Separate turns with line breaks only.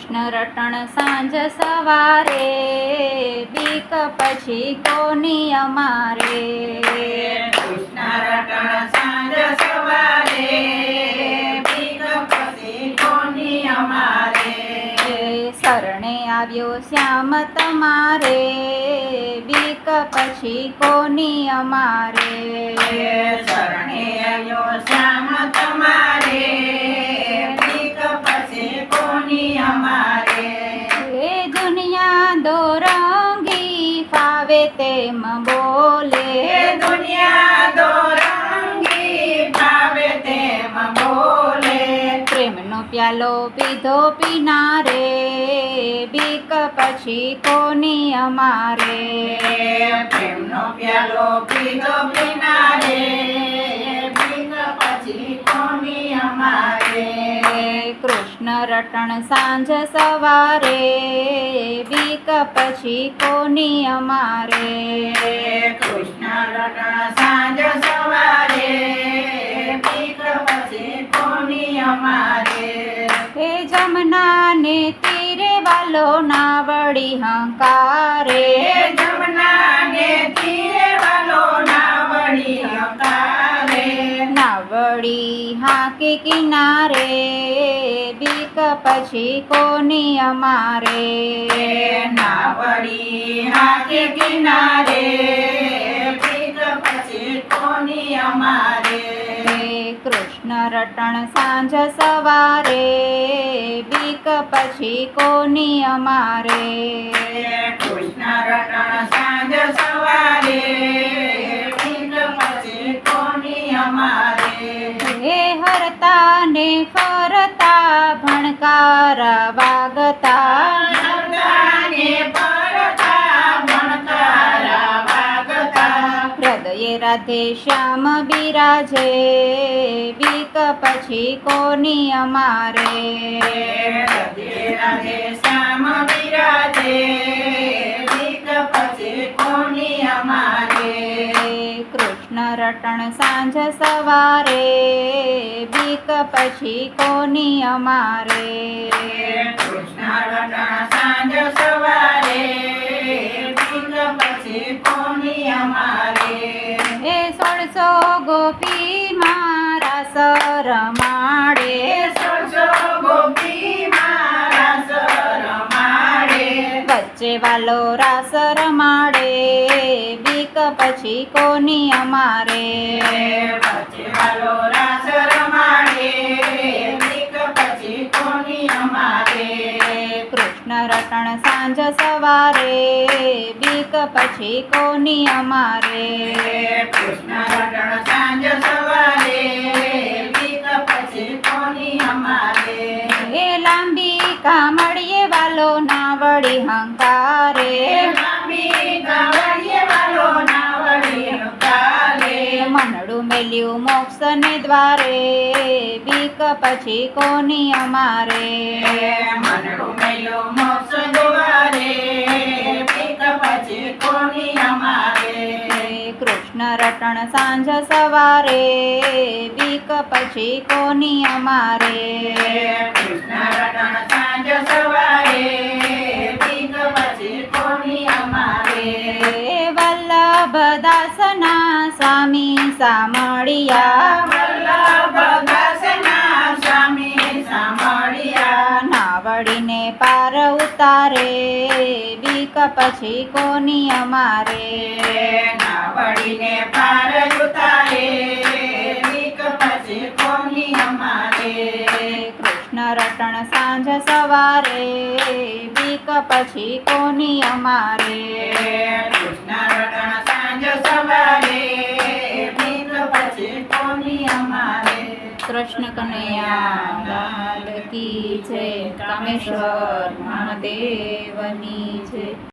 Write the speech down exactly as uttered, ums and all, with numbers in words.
કૃષ્ણ રટણ સાંજ સવારે, બીક પછી કોની અમારે.
કૃષ્ણ રટણ સાંજ સવારે, બીક પછી કોની અમારે.
શરણે આવ્યો શ્યામ તમારે, બીક પછી કોની અમારે.
શરણે આવ્યો શ્યામ તમારે, બીક પછી કોની અમારે.
એ દુનિયા દોરંગી ફાવે તેમ બોલે,
દુનિયા દોરંગી ભાવે તેમ બોલે.
પ્રેમનો પ્યાલો પીધો પીનારે, બીક પછી કોની અમારે.
પ્રેમનો પ્યાલો પીધો પીનારે, બીક પછી કોની અમારે.
કૃષ્ણ રટણ સાંજ સવારે, બીક પછી કોની અમારે.
કૃષ્ણ રટણ સાંજ સવારે, બીક પછી કોની અમારે.
હે જમનાને તીરે વાલો નાવડી હંકારે,
જમનાને તીરે વાલો નાવડી હંકારે.
નાવડી હાકે કિનારે, બીક પછી કોની અમારે.
નાવડી હાકે કિનારે, બીક પછી કોની અમારે.
કૃષ્ણ રટણ સાંજ સવારે, બીક પછી કોની અમારે.
કૃષ્ણ રટણ સાંજ સવારે, બીક પછી કોની અમારે.
હે હરતા ને ફરતા ભણકાર વાગતા,
હરતાને ફરતા ભણકારા વાગતા.
હૃદયે રાધે શ્યામ બિરાજે, બીક પછી કોની અમારે.
રાધે રાધે શ્યામ બિરાજે, બીક પછી કોની અમારે.
કૃષ્ણ રટણ સાંજ સવારે, બીક પછી કોની અમારે.
કૃષ્ણ રટણ સાંજ સવારે, બીક પછી કોની અમારે.
એ સોળસો ગોપી મારા સર માડે,
સોળસો ગોપી મારા સર માડે.
વચ્ચે વાલો રાસ રમાડે, બીક પછી કોની અમારે.
વચ્ચે વાલો રાસ રમાડે, બીક પછી કોની અમારે.
કૃષ્ણ રટણ સાંજ સવારે, બીક પછી કોની અમારે.
કૃષ્ણ રટણ સાંજ સવારે, બીક પછી કોની અમારે.
એ લાંબી કામળીએ વાલો નાવડી હંકારે,
લાંબી કાવડીએ વાલો નાવડી હંકારે.
મનડું મેલ્યું મોક્ષ ને દ્વારે, બીક પછી કોની અમારે.
મનડું મેલ્યું મોક્ષ દ્વારે, બીક પછી કોની અમારે.
કૃષ્ણ રટણ સાંજ સવારે, બીક પછી કોની અમારે.
કૃષ્ણ રટણ સાંજ સવારે, બીક પછી કોની અમારે.
વલ્લભ દાસના સ્વામી સામળિયા,
વલ્લભ દાસના સ્વામી સાંભળ્યા.
નાવડીને પાર ઉતારે, બીક પછી કોની અમારે.
નાવડીને પાર ઉતારે, બીક પછી કોની અમારે.
કૃષ્ણ રટણ સાંજ સવારે, બીક પછી કોની અમારે.
કૃષ્ણ રટણ સાંજ સવારે, બીક પછી કોની અમારે.
કૃષ્ણ કનૈયા લાલ કી જય, કામેશ્વર મહાદેવની જય.